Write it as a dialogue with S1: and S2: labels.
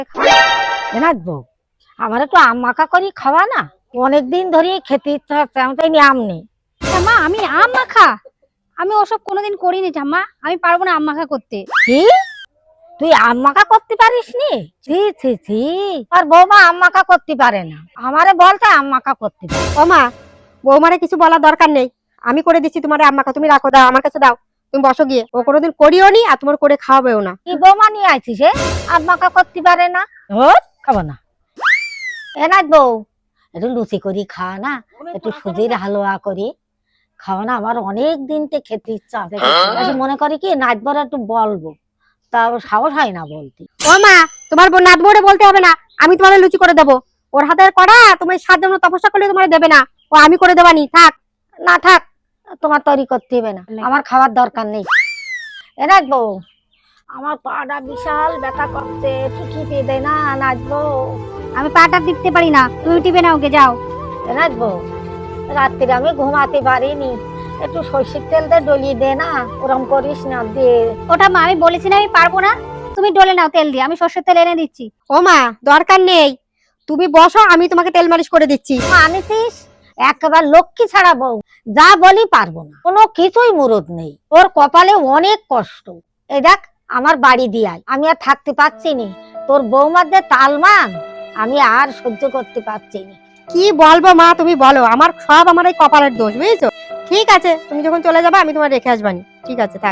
S1: নাচবো আমার একটু আম মাখা করি খাওয়া না, অনেকদিন ধরে খেতে ইচ্ছা হচ্ছে, আমি তাই নিয়ে আম নেই।
S2: ঠাম্মা আমি আম মাখা? আমি ওসব কোনোদিন করিনি ঠাম্মা, আমি পারবো না আম মাখা করতে।
S1: কি তুই আম মাখা করতে পারিস নি? ছি ছি ছি, আর বৌমা আম মাখা করতে পারে না, আমারে বলতে আম মাখা করতে পারে।
S3: ও মা, বৌমারে কিছু বলার দরকার নেই, আমি করে দিচ্ছি তোমার আম মাখা। তুমি রাখো, দাও আমার কাছে দাও, তুমি বসো গিয়ে। ও কোনোদিন করিও নি আর তোমার করে খাওয়াবেও না।
S1: কি বৌমা নিয়ে আইছিস হে? আম মাখা করতে পারে না, খাবো না। এ নাচবো একটু লুচি করি খাওয়া না, একটু সুজির হালুয়া করি খাওয়া না, আমার অনেক দিনতে খেতে ইচ্ছা আছে। মনে করি কি নাচবার একটু বলবো, তা সাহস হয় না বলতে।
S3: ও মা, তোমার নাত বউরে বলতে হবে না, আমি তোমার লুচি করে দেবো। ওর হাতের করা তুমি 7 জন তপস্যা করলে তোমার দেবে না, ও আমি করে দেবানি। থাক
S1: না থাক, তোমার তৈরি করতে হবে না, আমার খাওয়ার দরকার নেই। এ নাচবো আমার পাটা বিশাল ব্যথা করছে, একটু টিপে দে না, নাচবো।
S2: আমি পাটা টিপতে পারি না, তুমি টিপে নাও, ওকে যাও।
S1: এ নাচবো রাত্রিরে আমি ঘুমাতে পারিনি, একটু সর্ষের তেল দিয়ে ডলিয়ে দে না, ওরম করিস না দে।
S2: ও ঠাম্মা আমি বলেছি না আমি পারবো না, তুমি ডলে নাও তেল দিয়ে, আমি সর্ষের তেল এনে দিচ্ছি।
S3: ও মা, দরকার নেই, তুমি বসো, আমি তোমাকে তেল মালিশ করে দিচ্ছি।
S1: আনিছিস একেবারে লক্ষ্মী ছাড়া বউ, যা বলি পারবো না, কোনো কিছুই মুরদ নেই, ওর কপালে অনেক কষ্ট। এই দেখ আমার বাড়ি দিয়াই আমি আর থাকতে পারছি নি, তোর বৌমার যে তালমান আমি আর সহ্য করতে পারছি না।
S3: কি বলবো মা, তুমি বলো, আমার সব আমার এই কপালের দোষ, বুঝেছো? ঠিক আছে, তুমি যখন চলে যাবে আমি তোমার রেখে আসবানি। ঠিক আছে, থাক।